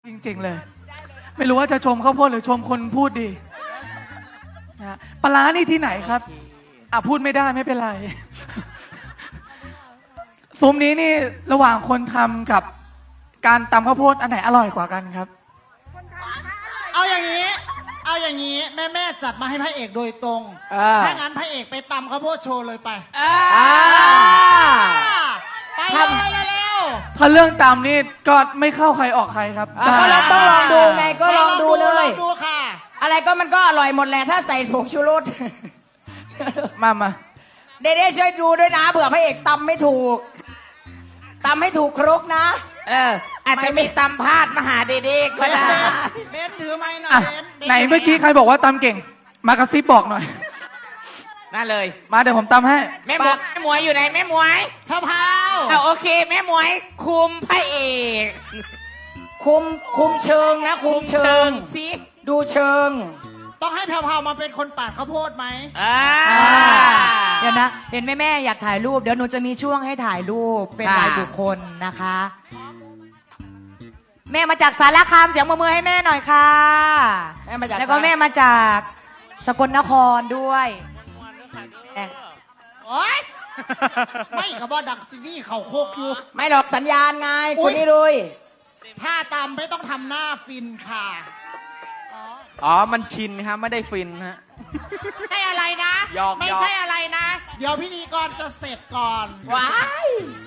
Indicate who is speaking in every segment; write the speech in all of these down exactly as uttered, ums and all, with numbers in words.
Speaker 1: จริงๆเลยไม่รู้ว่าจะชมข้าวโพดหรือชมคนพูดดีนะปลาร้านี่ที่ไหนครับอ่ะพูดไม่ได้ไม่เป็นไรซุ้มนี้นี่ระหว่างคนทำกับการตำข้าวโพดอันไหนอร่อยกว่ากันครับ
Speaker 2: เอาอย่างนี้เอาอย่างนี้แม่แม่จัดมาให้พระเอกโดยตรงถ้างั้นพระเอกไปตำข้าวโพดโชว์เลยไปไปเลยเร็ว
Speaker 1: ถ้าเรื่องตำนี่ก็ไม่เข้าใครออกใครครับ
Speaker 3: ก็เราต้องลองดูไงก็ลองดูเลย
Speaker 2: ดูค่ะ
Speaker 3: อะไรก็มันก็อร่อยหมดแหละถ้าใส่ผงชูรส
Speaker 1: มามา
Speaker 3: เด้ๆช่วยดูด้วยนะเผื่อพระเอกตำไม่ถูกตำให้ถูกครกนะ
Speaker 4: เอออาจจะมีตำพลาดมาหาเด็กๆก็ได้
Speaker 2: เบนถือไม้หน่อย
Speaker 1: ไหนเมื่อกี้ใครบอกว่าตำเก่งมากระซิบบอกหน่อย
Speaker 4: น่าเลย
Speaker 1: มาเดี๋ยวผมตำให้
Speaker 4: แม่หมวยแม่หมวยอยู่ไหนแม่หมวย
Speaker 2: ข้าวเผา
Speaker 4: เอาโอเคแม่หมวยคุมพระเอก
Speaker 3: คุมคุมเชิงนะคุมเชิง
Speaker 4: สิ
Speaker 3: ดูเชิง
Speaker 2: ต้องให้แพรวๆมาเป็นคนปาดข้าวโพดไหม
Speaker 4: อ่า
Speaker 5: เดี๋ยวนะเห็นแม่แม่อยากถ่ายรูปเดี๋ยวหนูจะมีช่วงให้ถ่ายรูปเป็นรายบุคคลนะคะแม่มาจากสารคามเสียงมือมือให้แม่หน่อยค่ะแล้วก็แม่มาจากสกลนครด้วย
Speaker 2: โอ๊ยไม่กับว่าดักซีนี่เขาโคกอยู่
Speaker 3: ไม่หรอกสัญญาณไงคุณนี่ดุย
Speaker 2: ถ้าตามไม่ต้องทำหน้าฟินค่ะ
Speaker 6: อ๋อมันชินครับไม่ได้ฟินฮะ
Speaker 2: ไม่อะไรนะไม่ใช่อะไรนะเดี๋ยวพิธีกรจะเสร็จก่อน
Speaker 3: ว้าย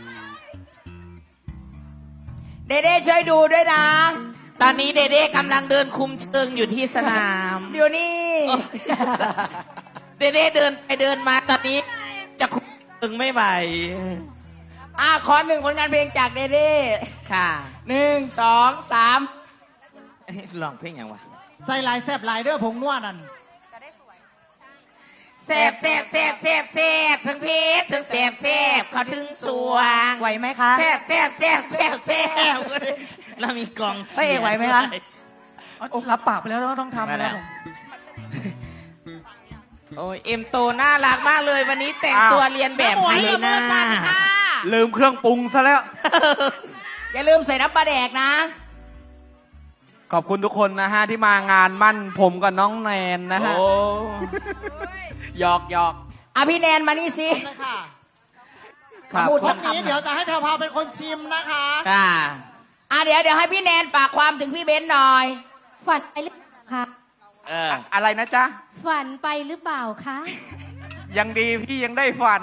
Speaker 3: เด้ๆช่วยดูด้วยนะ
Speaker 4: ตอนนี้เด้ๆกำลังเดินคุมเชิงอยู่ที่สนาม
Speaker 3: เดี๋ยวนี้
Speaker 4: เด้ๆเดินไปเดินมาตอนนี้จะคุมเชิงไม่ไหว
Speaker 3: อ่ะขอหนึ่งผลงานเพลงจากเด้
Speaker 4: ๆค่ะ
Speaker 3: หนึ่งสองสาม
Speaker 4: ลองเพลงอย่างวะ
Speaker 2: ใส่ลายแซบลายเด้อผงนวดนั่น
Speaker 4: แซบแซบแซบแซบแซบทั้งเพชรทั้งแซบแซบเขาถึงสวง
Speaker 5: ไหวไหมคะ
Speaker 4: แซบแซบแซบแซบแซบเรามีกอง
Speaker 5: เชียร์พระเอกไหวไหมคะ
Speaker 1: รับปากไปแล้วก็ต้องทำแล้ว
Speaker 4: โอ้ยเอ็มโตน่ารักมากเลยวันนี้แต่งตัวเรียนแบบให้เลยนะ
Speaker 6: ลืมเครื่องปรุงซะแล้ว
Speaker 3: อย่าลืมใส่น้ำปลาแดกนะ
Speaker 6: ขอบคุณทุกคนนะฮะที่มางานมั่นผมกับน้องแนนนะฮะหยอกหยอก
Speaker 3: อ่ะพี่แนนมานี่สิ
Speaker 2: ค่ะครับวันนี้เดี๋ยวจะให้แพรวๆเป็นคนชิมนะคะ
Speaker 4: ค่ะ
Speaker 3: อ่ะเดี๋ยวเดี๋ยวให้พี่แนนฝากความถึงพี่เบนหน่อย
Speaker 7: ฝันไปหรือเปล่าคะ
Speaker 6: เอออะไรนะจ๊ะ
Speaker 7: ฝันไปหรือเปล่าคะ
Speaker 6: ยังดีพี่ยังได้ฝัน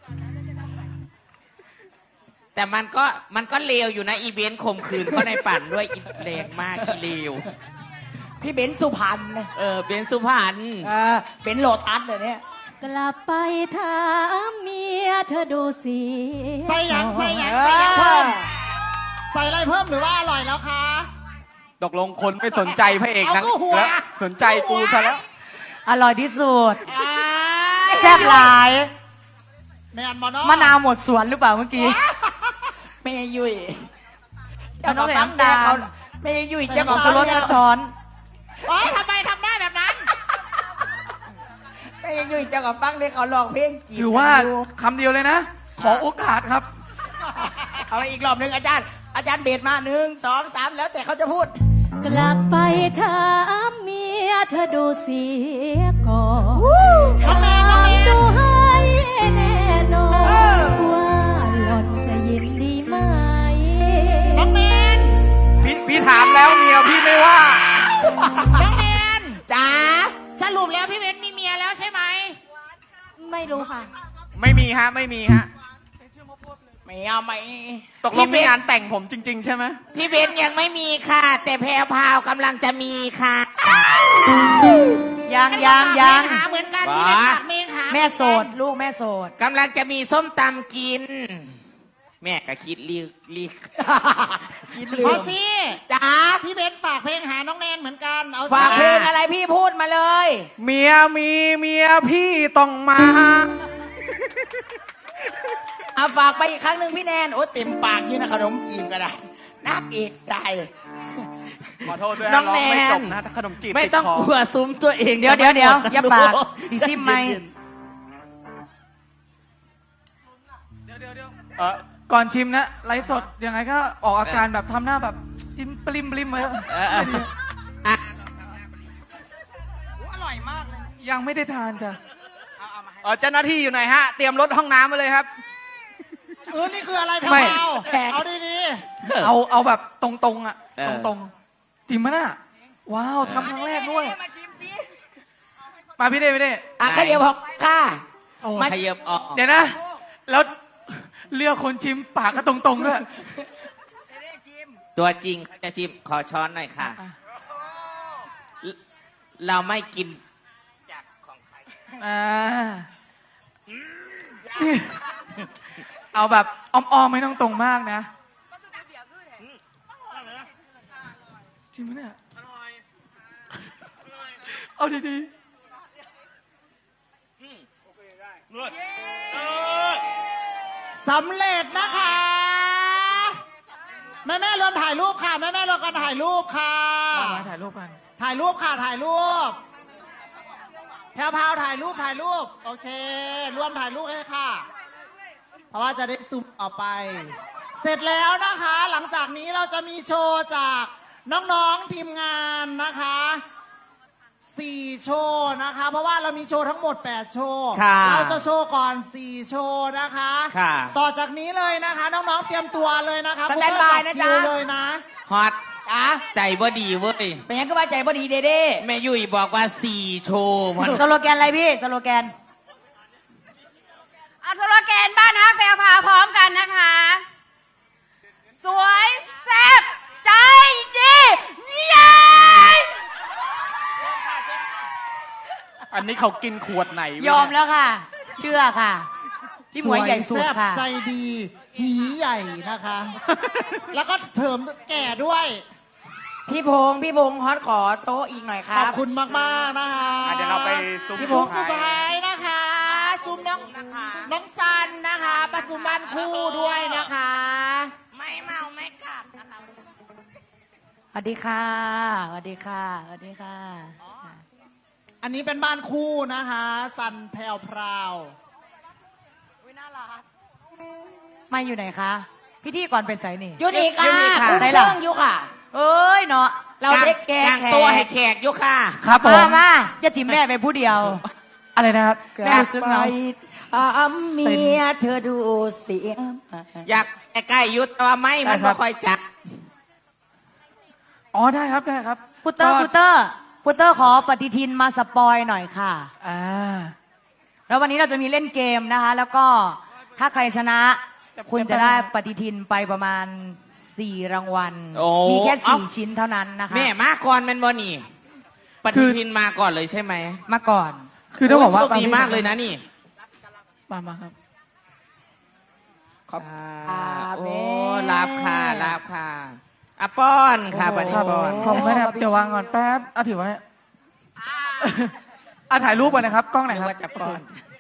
Speaker 4: แต่มันก็มันก็เลวอยู่นะอีเบนข่มขืนเขาในปั่นด้วยอีแรงมากอีเลว
Speaker 3: พี่เบนสุพรรณ
Speaker 4: เออเบนสุพรรณ
Speaker 3: เออเป็นโลตัสเลยเนี่ย
Speaker 7: กลับไปถามเมียเธอดูสิ
Speaker 2: ใส่ยังใส่ยังใส่ยังเพิ่มใส่อะไรเพิ่มหรือว่าอร่อยแล้วคะ
Speaker 6: ตกลงคนไม่สนใจพระเอกนะแล้วสนใจกูซะแล้ว
Speaker 5: อร่อยที่สุดแซ่บหลายมะนาวหมดสวนหรือเปล่าเมื่อกี้
Speaker 3: ไม่ยุ่ยเจ้าของตั้งดาวไม่ยุ่ยเจ้าของ
Speaker 5: รถช้อน
Speaker 2: อ๋อทำไมทำได้แบบนั้น
Speaker 3: ไม่ยุ่ยเจ้าของตั้งได้เขาลองเพลงจีบ
Speaker 1: ถือว่าคำเดียวเลยนะขอโอกาสครับ
Speaker 3: เอาอีกรอบหนึ่งอาจารย์อาจารย์เบสมาหนึ่งสองสามแล้วแต่เขาจะพูด
Speaker 7: กลับไปถามเมียเธอดูเสียก่อนถามดูให้แน่นอนว่าหล่อนจะยินดีไหม
Speaker 2: น้องแมน
Speaker 6: พี่พี่ถามแล้วเมียพี่ไม่ว่า
Speaker 2: น้องแมน
Speaker 3: จ๋า
Speaker 2: สรุปแล้วพี่เบนมีเมียแล้วใช่ไหม
Speaker 7: ไม่รู้ค่ะ
Speaker 6: ไม่มีฮะไม่มีฮะ
Speaker 3: ไม่เอาไม่
Speaker 6: ตกลงมีงานแต่งผมจริงๆใช่ไหม
Speaker 4: พี่เบนยังไม่มีค่ะแต่แพรวพาวกำลังจะมีค่ะ
Speaker 5: ยังยังยัง
Speaker 2: หาเหมือนกันพี่เบนฝากเมงหา
Speaker 5: แม่โสดลูกแม่โสด
Speaker 4: กำลังจะมีส้มตำกินแม่ก็คิดลีกลีก
Speaker 2: คิดลืมพอสิจ๋าพี่เบนฝากเพลงหาน้องแนนเหมือนกันเอา
Speaker 3: ฝากเพลงอะไรพี่พูดมาเลย
Speaker 6: เมียมีเมียพี่ต้องมา
Speaker 3: เอาฝากไปอีกครั้งหนึ่งพี่แนนโอ้เต็มปากยี่นะขนมจีบก็ได้นักเอกได้
Speaker 6: ขอโทษด้วย
Speaker 4: น้องแนน
Speaker 6: นะขนมจีบ
Speaker 4: ไม่ต้องกลัวซุ้มตัวเอง
Speaker 5: เดี๋ยวเดี๋ยวเดี๋ยวอย่าปากสีซิมไหม
Speaker 1: เดี๋ยวเดี๋ยวเดี๋ยว
Speaker 6: เออ
Speaker 1: ก่อนชิมนะไลฟ์สดยังไงก็ออกอาการแบบทำหน้าแบบยิ้มปริมปริมเลย
Speaker 4: เออเอออ่ะ
Speaker 3: อร่อยมากเลย
Speaker 1: ยังไม่ได้ทานจ้ะ
Speaker 6: เออเจ้าหน้าที่อยู่ไหนฮะ เตรียมรถห้องน้ำมาเลยครับ
Speaker 2: เออนี่คืออะไรแพ
Speaker 1: ไม่
Speaker 2: รวๆเอาดี
Speaker 1: เอาเอาแบบตรงๆอ่ะ
Speaker 4: เออ
Speaker 1: ตรงๆจริงมั้ยน่ะว้าวทำครั้งแรกด้วย
Speaker 3: มาชิมสิ
Speaker 1: มาพี่เด้พี่เด้
Speaker 3: อ่ะขยับออกค่ะ
Speaker 1: โอ้
Speaker 4: ขยับออก
Speaker 1: เดี๋ยวนะ แล้วเลือกคนชิมปากก็ตรงๆด้วย
Speaker 4: ตัวจริงเขาจะชิมขอช้อนหน่อยค่ะ เราไม่กินจากของใคร
Speaker 1: อ่าเอาแบบอ้อมๆไม่ต้องตรงมากนะจริงไหมเนี่ยเอาดีๆ
Speaker 2: ๆสำเร็จนะคะ แม่แม่ๆรวมถ่ายรูปค่ะ แม่แม่ๆรวมกันถ่ายรูปค่ะ
Speaker 1: มามาถ่ายรูปกัน
Speaker 2: ถ่ายรูปค่ะถ่ายรูปแพรวพราวถ่ายรูปถ่ายรูป โอเค รวมถ่ายรูปให้ค่ะ เพราะว่าจะได้ซูมออกไป เสร็จแล้วนะคะ หลังจากนี้เราจะมีโชว์จากน้องๆทีมงานนะคะสี่โชว์นะคะ เพราะว่าเรามีโชว์ทั้งหมดแปดโชว์
Speaker 4: ค่ะ
Speaker 2: เราจะโชว์ก่อนสี่โชว์นะคะ
Speaker 4: ค่ะ
Speaker 2: ต่อจากนี้เลยนะคะ น้องๆเตรียมตัวเลยนะคะ
Speaker 3: สแตนบายนะจ๊ะ
Speaker 2: คิวเลยนะ
Speaker 4: ฮอต
Speaker 3: อ่ะ
Speaker 4: ใจบ่ดีเว้ย
Speaker 3: เป็นยังก็ว่าใจบ่ดีเด้เด้
Speaker 4: แม่ยุ้ยบอกว่าสี่โชว์มัน
Speaker 5: สโลแกนอะไรพี่สโลแกน
Speaker 8: เอาสโลแกนบ้านฮักแพรวพราวพร้อมกันนะคะ สวยแซ่บใจดีเย้
Speaker 6: อันนี้เขากินขวดไหนวะ
Speaker 5: ยอมแล้วค่ะ เชื่อค่ะ พี่หมวยใหญ่สุด
Speaker 2: สวยแซ่บ
Speaker 5: ค่ะ
Speaker 2: ใจดีหีใหญ่นะคะ แล้วก็เถิมแก่ด้วย
Speaker 3: พี่พงษ์พี่พงษ์ฮอตขอโต๊ะอีกหน่อยค
Speaker 2: ข
Speaker 3: รั
Speaker 2: อบบ คุณมาก ๆ นะคะ
Speaker 6: อ่ะเดี๋ยวเราไปซุ้ม
Speaker 2: ซุ้มสุดท้ายนะคะซุ้มน้องน้องซันนะคะประสุมบ้านคู่ด้วยนะคะ
Speaker 4: ไม่เมาไม่กลับนะคะ
Speaker 5: สวัสดีค่ะสวัสดีค่ะสวัสดีค่ะ
Speaker 2: อันนี้เป็นบ้านคู่นะคะซันแพรวพราว
Speaker 5: ไม่อยู่ไหนคะพี่ที่ก่อนเป็นไสนี่
Speaker 3: ยุนี่ค่ะ
Speaker 4: ยุนี่ค่ะ
Speaker 3: คุณ
Speaker 5: ใส่
Speaker 3: เชิ
Speaker 5: ละ
Speaker 3: งยุค่ะ
Speaker 5: เอ้ยเนาะ
Speaker 3: เราเด็กแก่
Speaker 4: กาง
Speaker 3: แข
Speaker 4: ตัวให้
Speaker 3: ก
Speaker 4: แขกอยุค่ะ
Speaker 1: ครับผม
Speaker 5: มามาจะจิมแม่ไปผู้เดียว
Speaker 1: อะไรนะครับ
Speaker 5: แม่รู้สึกเหงา
Speaker 3: ถามเมียเธอดูเสีย
Speaker 4: อยากใกล้ๆยุทธแต่ว่าไม่มัน
Speaker 1: ได้ครั
Speaker 4: ไม่
Speaker 1: บ
Speaker 4: ค่อยจัด
Speaker 1: อ๋อได้ครับได้ครับ
Speaker 5: พุตเตอร์
Speaker 1: ก็
Speaker 5: พุตเตอร์พุตเตอร์ขอปฏิทินมาสปอยหน่อยค่ะ
Speaker 1: อ่า
Speaker 5: แล้ววันนี้เราจะมีเล่นเกมนะคะ แล้วก็ถ้าใครชนะ คุณจะได้ปฏิทินไปประมาณสี่รางวัล
Speaker 4: โอ้
Speaker 5: มีแค่สี่
Speaker 4: เอ้า
Speaker 5: ชิ้นเท่านั้นนะคะ
Speaker 4: แม่มาก่อนแมันบ่นี่ปฏิทินมาก่อนเลยใช่ไหม
Speaker 5: มาก่อน
Speaker 1: คือต้องบอกว่า
Speaker 4: โโชคดีมากเลยนะนี่
Speaker 1: มามาครับ
Speaker 4: ขอบโอ้ลาบค่ะลาบค่ะอะป้อนค่ะปฏิ
Speaker 1: ครับ
Speaker 4: ป้อน
Speaker 1: ผมไม่ได้เดี๋ยววางก่อนแป๊บเอาถือไว้อ่ะถ่ายรูปก่อนนะครับ กล้องไหน
Speaker 4: นึก
Speaker 1: ครับ
Speaker 4: ว่าจะป้อน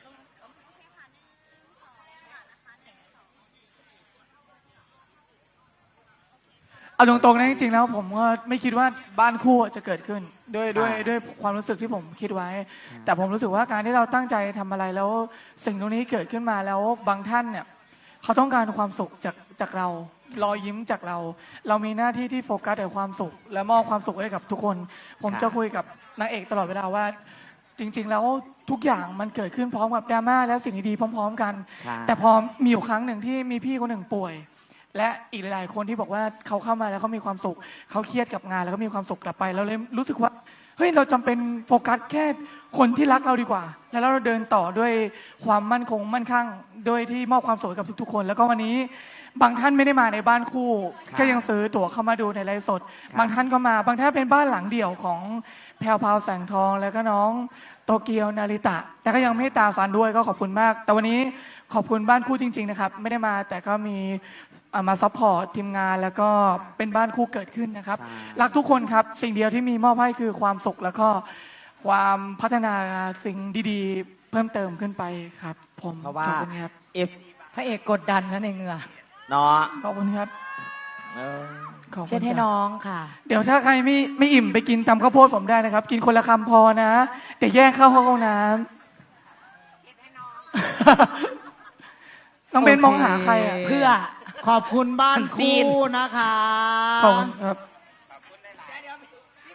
Speaker 1: เอาตรงๆนะจริงๆแล้วผมก็ไม่คิดว่าบ้านคู่จะเกิดขึ้นด้วยด้วยด้วยความรู้สึกที่ผมคิดไว้ แต่ผมรู้สึกว่าการที่เราตั้งใจทำอะไรแล้วสิ่งตรงนี้เกิดขึ้นมาแล้วบางท่านเนี่ยเขาต้องการความสุขจากจากเรารอยยิ้มจากเรา เรามีหน้าที่ที่โฟกัสแต่ความสุข และมอบความสุขให้กับทุกคน ผมจะคุยกับนางเอกตลอดเวลาว่า จริง ๆ แล้วทุกอย่างมันเกิดขึ้นพร้อมกับดราม่าและสิ่งดีๆพร้อม ๆ กัน
Speaker 4: ค่ะ
Speaker 1: แต่พอมีอยู่ครั้งหนึ่งที่มีพี่คนหนึ่งป่วย และอีกหลายๆคนที่บอกว่าเขาเข้ามาแล้วเขามีความสุขเขาเครียดกับงานแล้วก็มีความสุขกลับไปเราเลยรู้สึกว่าเฮ้ยเราจำเป็นโฟกัสแค่คนที่รักเราดีกว่า แล้วเราเดินต่อด้วยความมั่นคงมั่นคงโดยที่มอบความสุขให้กับทุกๆคน แล้วก็วันนี้บางท่านไม่ได้มาในบ้านคู่
Speaker 4: ครับ
Speaker 1: ก็ยังซื้อตั๋วเข้ามาดูในไลฟ์สด
Speaker 4: ครับ
Speaker 1: บางท่านก็มาบางท่านเป็นบ้านหลังเดี่ยวของแพรวพราวแสงทองแล้วก็น้องโตเกียวนาริตะ แต่ก็ยังไม่ตามฟันด้วยก็ขอบคุณมาก แต่วันนี้ขอบคุณบ้านคู่จริง ๆ นะครับ ไม่ได้มาแต่ก็มีเอ่อมาซัพพอร์ตทีมงานแล้วก็เป็นบ้านคู่เกิดขึ้นนะครับ
Speaker 4: ใช่
Speaker 1: รักทุกคนครับ สิ่งเดียวที่มีมอบให้คือความสุขแล้วก็ความพัฒนาสิ่งดีๆ เพิ่มเติมขึ้นไปครับ ผม
Speaker 4: เพราะว่า
Speaker 1: ขอบคุณครับ
Speaker 4: เอฟ
Speaker 5: พระเอกกดดันนะในเหงื่อ
Speaker 4: เนาะ
Speaker 1: ขอบคุณครับ
Speaker 4: เออ
Speaker 1: ขอบคุณ
Speaker 5: เช็ดให้
Speaker 1: จ้ะ
Speaker 5: น้องค่ะ
Speaker 1: เดี๋ยวถ้าใครไม่ไม่อิ่มไปกินตำข้าวโพดผมได้นะครับ กินคนละคำพอนะ แต่แยกเข้าห้องน้ำ น้องเบนมองหาใครอ่ะ
Speaker 5: เพื่อ
Speaker 2: ขอบคุณบ้าน
Speaker 4: ซีน
Speaker 2: คู่นะคะ
Speaker 1: ขอบคุณครับ